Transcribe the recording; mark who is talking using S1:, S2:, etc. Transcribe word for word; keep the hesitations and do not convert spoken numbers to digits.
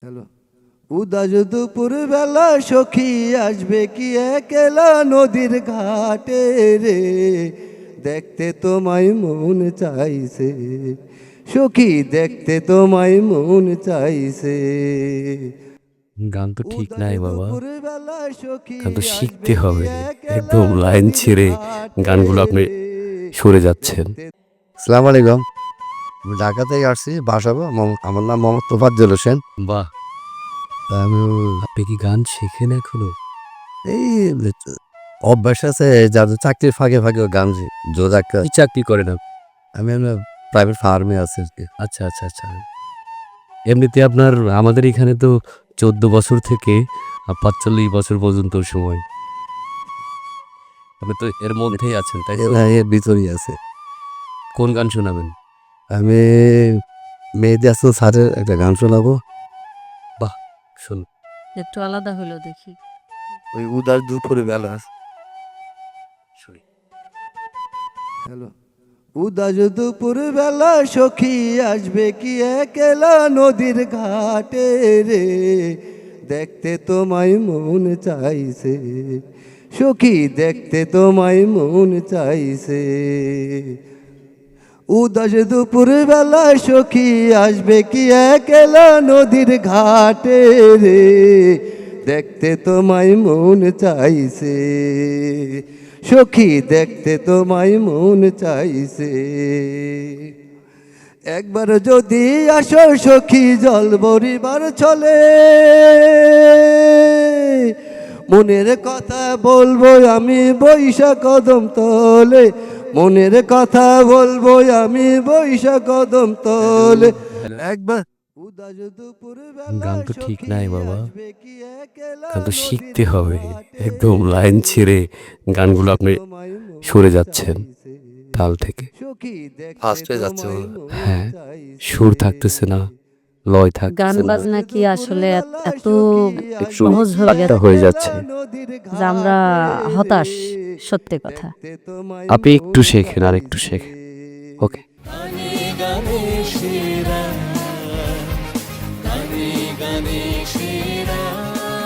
S1: Hello. উদাস দুপুর বেলা সখী আসবে কি একলা নদীর ঘাটে রে, দেখতে তোমায় মন চাইছে সখী, দেখতে তোমায় মন চাইছে।
S2: গান তো ঠিক নাই বাবা,
S1: দুপুরবেলা সখী
S2: গান তো শিখতে
S1: আসবে কি
S2: হবে।
S1: একলা
S2: একদম লাইন
S1: নদীর
S2: ছেড়ে
S1: ঘাটে
S2: গানগুলো আপনি
S1: রে,
S2: সরে যাচ্ছেন।
S1: দেখতে।
S3: আসসালামু আলাইকুম। আমি ঢাকা থেকে আসছি, বাসাবো। আমার নাম মোহাম্মদ তোফাজ্জল হোসেন।
S2: বাহ,
S3: তা আমি
S2: আপনি কি গান শেখেন এখনো?
S3: এই অভ্যাস আছে, যাদের চাকরির ফাঁকে ফাঁকে গান জোর একটা।
S2: কি চাকরি করেন আপনি?
S3: আমি প্রাইভেট ফার্মে আছি আর কি।
S2: আচ্ছা আচ্ছা আচ্ছা। এমনিতে আপনার আমাদের এখানে তো চোদ্দ বছর থেকে পাঁচচল্লিশ বছর পর্যন্ত সময়, আপনি তো এর মধ্যেই আছেন, তাই তো?
S3: এ- এর ভিতরেই আছে।
S2: কোন গান শোনাবেন?
S3: আমি মেহেদী হাসান স্যারের একটা গান শোনাবো।
S2: বাহ, শুনুন।
S4: একটু আলাদা হলো দেখি।
S3: ওই উদাস দুপুর বেলা।
S2: শুনি।
S1: হ্যালো। উদাস দুপুর বেলা সখী আসবে কি একলা নদীর ঘাটে রে, দেখতে তোমায় মন চাইছে সখী, দেখতে তোমায় মন চাইছে। উদাস দুপুর বেলা সখী আসবে কি একলা নদীর ঘাটে রে, দেখতে তোমায় মন চাইছে সখী, দেখতে তোমায় মন চাইছে। একবার যদি আসো সখী জল বরিবার চলে, মনের কথা বলবো আমি বৈশা কদম তলে, মনের কথা বলবো আমি বৈশা কদম তলে। একবার উদাস দুপুর
S2: গান তো ঠিক নাই বাবা, গান তো শিখতে হবে। একদম লাইন ছেড়ে গানগুলো আপনি সরে যাচ্ছেন তাল থেকে।
S3: ফার্স্ট হয়ে যাচ্ছে।
S2: হ্যাঁ, সুর থাকতেছে না, লয়
S4: গান
S2: থাকতেছে না,
S4: বাজনা কি আসলে এত- এত
S2: একটু
S4: সহজ হয়ে গেছে
S2: হয়ে যাচ্ছে।
S4: যে আমরা হতাশ, সত্যি কথা।
S2: আপনি একটু শেখেন আর একটু শেখেন। ওকে।